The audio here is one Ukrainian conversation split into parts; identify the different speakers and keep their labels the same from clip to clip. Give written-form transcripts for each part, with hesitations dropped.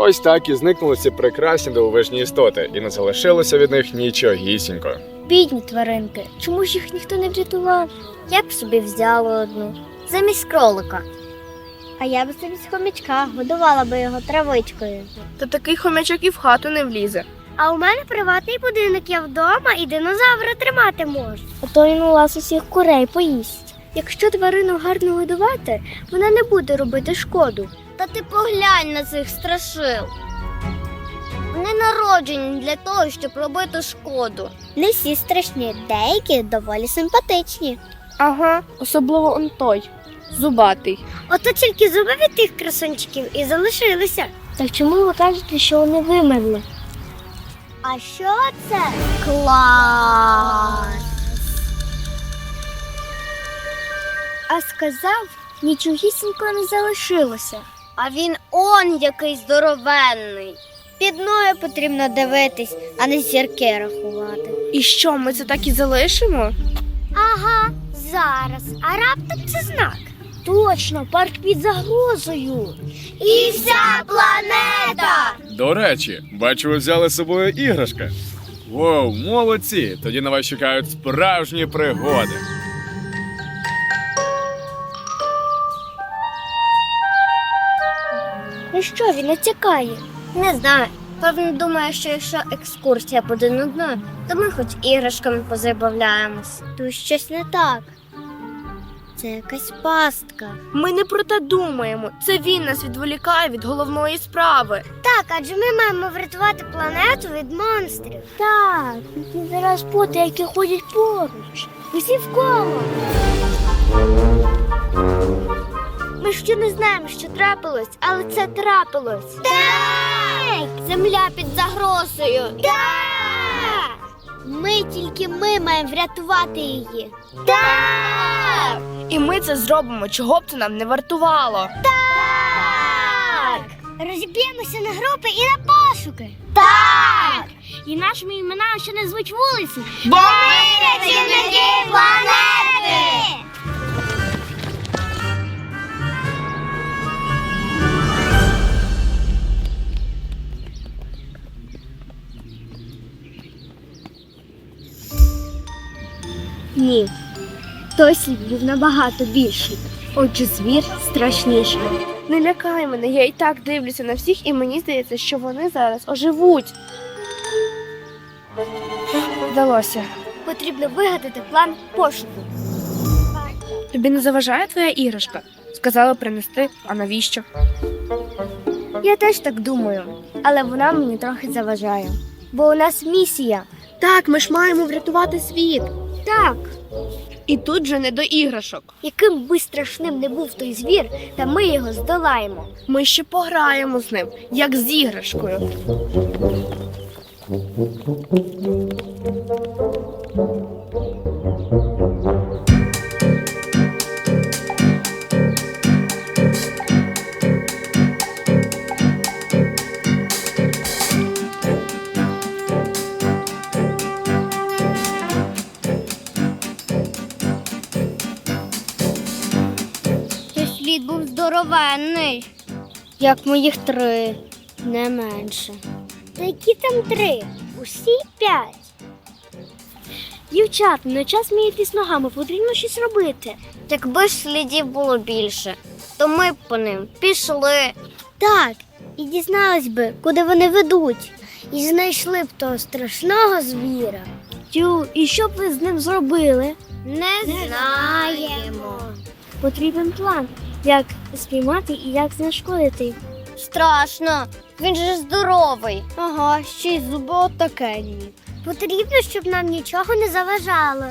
Speaker 1: Ось так і зникнули ці прекрасні дивовижні істоти, і не залишилося від них нічогісінько.
Speaker 2: Бідні тваринки, чому ж їх ніхто не врятував? Я б собі взяла одну, замість кролика. А я б замість хомячка годувала би його травичкою.
Speaker 3: Та такий хомячок і в хату не влізе.
Speaker 2: А у мене приватний будинок, я вдома і динозавра тримати можу. А то він у вас усіх курей поїсть. Якщо тварину гарно годувати, вона не буде робити шкоду. Та ти поглянь на цих страшил. Вони народжені для того, щоб робити шкоду. Не всі страшні, деякі доволі симпатичні.
Speaker 3: Ага, особливо он той, зубатий.
Speaker 2: Ото тільки зуби від тих красунчиків і залишилися. Так чому ви кажете, що вони вимерли? А що це? Клас! А сказав, нічогісінько не залишилося. А він он який здоровенний. Під ноги потрібно дивитись, а не зірки рахувати.
Speaker 3: І що, ми це так і залишимо?
Speaker 2: Ага, зараз. А раптом це знак. Точно, парк під загрозою. І вся планета!
Speaker 1: До речі, бачу, ви взяли з собою іграшки. Воу, молодці! Тоді на вас чекають справжні пригоди.
Speaker 2: Ну що, він натякає? Не знаю. Певно думає, що якщо екскурсія буде нудною, то ми хоч іграшками позабавляємось. Тут щось не так. Це якась пастка.
Speaker 3: Ми не про те думаємо. Це він нас відволікає від головної справи.
Speaker 2: Так, адже ми маємо врятувати планету від монстрів. Так, він зараз поти, які ходять поруч. Усі в коло. Ми ще не знаємо, що трапилось, але це трапилось. Так! Земля під загрозою. Так! Ми маємо врятувати її. Так!
Speaker 3: І ми це зробимо, чого б це нам не вартувало.
Speaker 2: Так! Розіб'ємося на групи і на пошуки. Так! І нашими іменами ще не звуть вулиці.
Speaker 3: Бо
Speaker 2: ми рятівники планети! Ні, той слід був набагато більший. Отже, звір страшніший.
Speaker 3: не лякай мене, я і так дивлюся на всіх, і мені здається, що вони зараз оживуть. Вдалося.
Speaker 2: Потрібно вигадати план пошуку.
Speaker 3: Тобі не заважає твоя іграшка? Сказали принести, а навіщо?
Speaker 2: Я теж так думаю, але вона мені трохи заважає. Бо у нас місія.
Speaker 3: Так, ми ж маємо врятувати світ.
Speaker 2: Так,
Speaker 3: І тут же не до іграшок.
Speaker 2: яким би страшним не був той звір, та ми його здолаємо.
Speaker 3: Ми ще пограємо з ним, як з іграшкою.
Speaker 2: Той слід був здоровенний. Як моїх 3, не менше. Та які там 3? Усі 5. Дівчат, не час міятись ногами, потрібно щось робити. Якби ж слідів було більше, то ми б по ним пішли. Так, і дізнались би, куди вони ведуть. І знайшли б того страшного звіра. Тю, і що б ви з ним зробили? Не знаємо. Потрібен план, як спіймати і як знешкодити. Страшно, він же здоровий. Ага, ще й зуби отакенні. Потрібно, щоб нам нічого не заважало.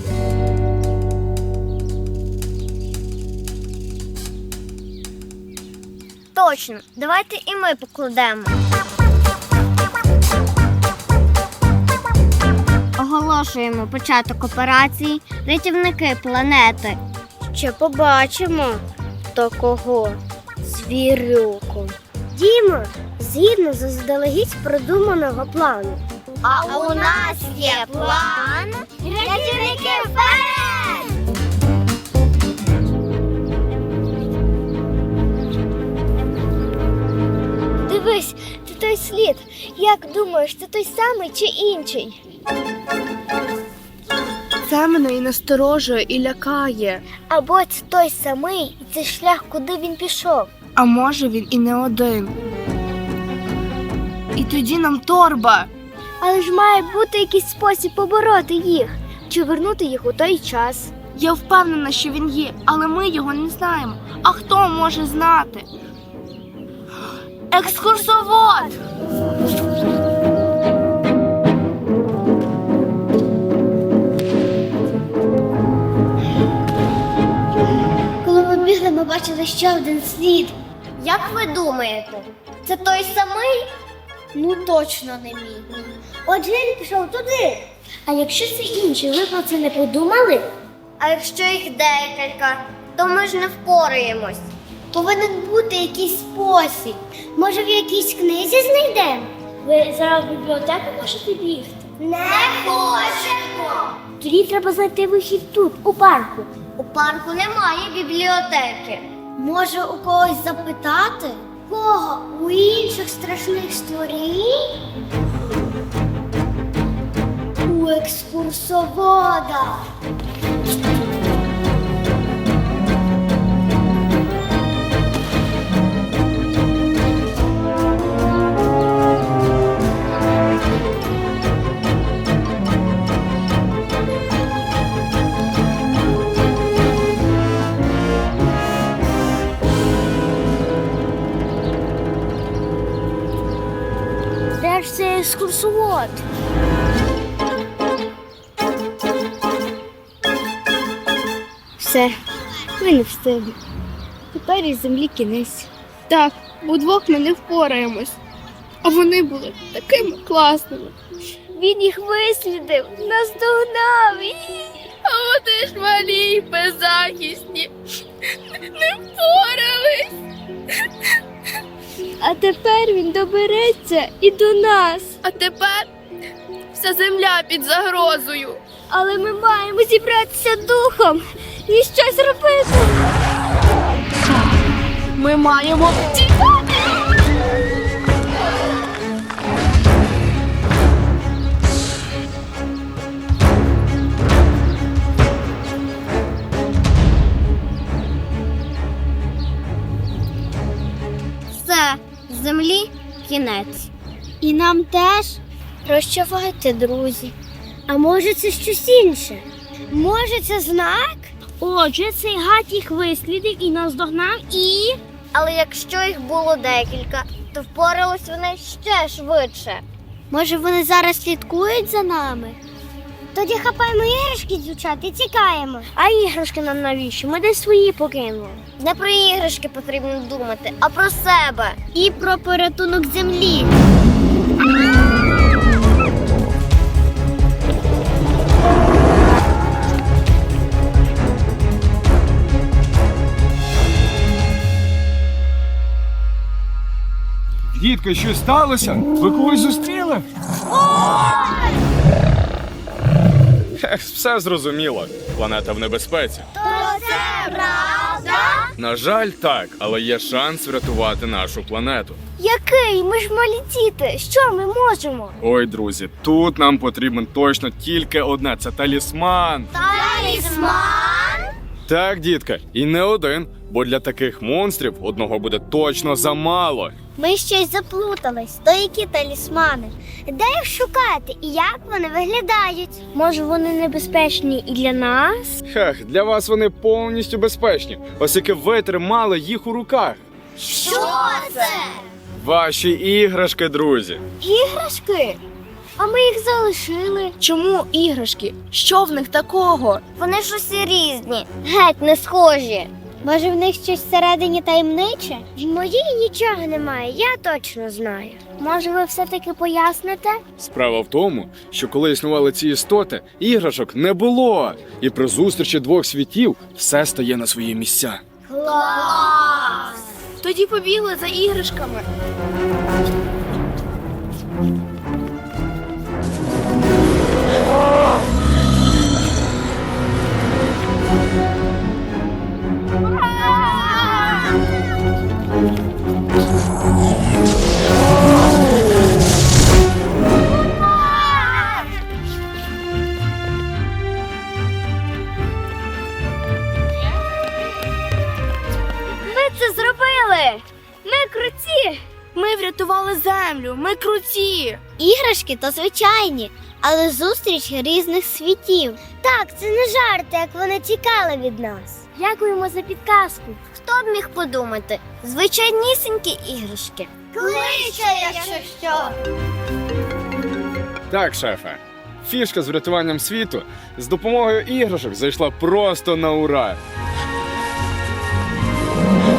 Speaker 2: Точно, давайте і ми покладемо. Оголошуємо початок операції «Рятівники планети». Ще побачимо, хто кого. Звірюку. Дімо, згідно з заздалегідь продуманого плану. А у нас є план «Рятівники вперед!» Дивись, Як думаєш, це той самий чи інший?
Speaker 3: Це мене і насторожує, і лякає.
Speaker 2: Або це той самий, і це шлях, куди він пішов.
Speaker 3: А може він і не один. І тоді нам торба.
Speaker 2: Але ж має бути якийсь спосіб побороти їх, чи вернути їх у той час.
Speaker 3: Я впевнена, що він є, але ми його не знаємо. А хто може знати? Екскурсовод!
Speaker 2: Коли ми бігли, ми бачили ще один слід. Як ви думаєте, це той самий? Ну точно не мій. Отже, він пішов туди. А якщо це інший, ви про це не подумали? А якщо їх декілька, то ми ж не впораємось. Повинен бути якийсь спосіб. Може, в якійсь книзі знайдемо? Ви зараз в бібліотеку можете бігти? Не хочемо! Тоді треба знайти вихід тут, у парку. У парку немає бібліотеки. Може, у когось запитати? Кого? У інших страшних створінь? У екскурсовода. Де ж цей екскурсовод? Все, ми не встигли. Тепер із землі кінець.
Speaker 3: Так, удвох ми не впораємось. А вони були такими класними.
Speaker 2: Він їх вислідив, наздогнав.
Speaker 3: А вони ж малі й беззахисні. Не впорались.
Speaker 2: А тепер він добереться і до нас.
Speaker 3: А тепер вся земля під загрозою.
Speaker 2: Але ми маємо зібратися духом і щось робити.
Speaker 3: Ми маємо тікати.
Speaker 2: Все, землі кінець. І нам теж прощавайте, друзі. А може це щось інше? Може це знак? Отже, цей гад їх вислідив і наздогнав і... Але якщо їх було декілька, то впорались вони ще швидше. Може вони зараз слідкують за нами? Тоді хапаємо іграшки, дівчат, і тікаємо. А іграшки нам навіщо? Ми десь свої покинули. Не про іграшки потрібно думати, а про себе. І про порятунок землі.
Speaker 1: Дітки, що сталося? Ви когось зустріли? Ех, все зрозуміло. Планета в небезпеці.
Speaker 2: То це правда?
Speaker 1: На жаль, так, але є шанс врятувати нашу планету.
Speaker 2: Який? Ми ж малі діти. Що ми можемо?
Speaker 1: Ой, друзі, тут нам потрібен точно тільки одне – це талісман.
Speaker 2: Талісман?
Speaker 1: Так, дітка, і не один, бо для таких монстрів одного буде точно замало.
Speaker 2: Ми щось заплутались. То які талісмани? Де їх шукати і як вони виглядають? Може, вони небезпечні і для нас?
Speaker 1: Хех, для вас вони повністю безпечні, оскільки ви тримали їх у руках.
Speaker 2: Що це?
Speaker 1: Ваші іграшки, друзі.
Speaker 2: Іграшки? А ми їх залишили.
Speaker 3: Чому іграшки? Що в них такого?
Speaker 2: Вони ж усі різні, геть не схожі. Може, в них щось всередині таємниче? В моїй нічого немає, я точно знаю. Може, ви все-таки поясните?
Speaker 1: Справа в тому, що коли існували ці істоти, іграшок не було. І при зустрічі двох світів все стає на свої місця.
Speaker 2: Клас!
Speaker 3: Тоді побігли за іграшками. врятували землю, ми круті.
Speaker 2: Іграшки то звичайні, але зустріч різних світів. Так, це не жарти, як вони тікали від нас. Дякуємо за підказку. Хто б міг подумати? Звичайнісінькі іграшки. Кличе, якщо що.
Speaker 1: Так, шефе. Фішка з врятуванням світу з допомогою іграшок зайшла просто на ура.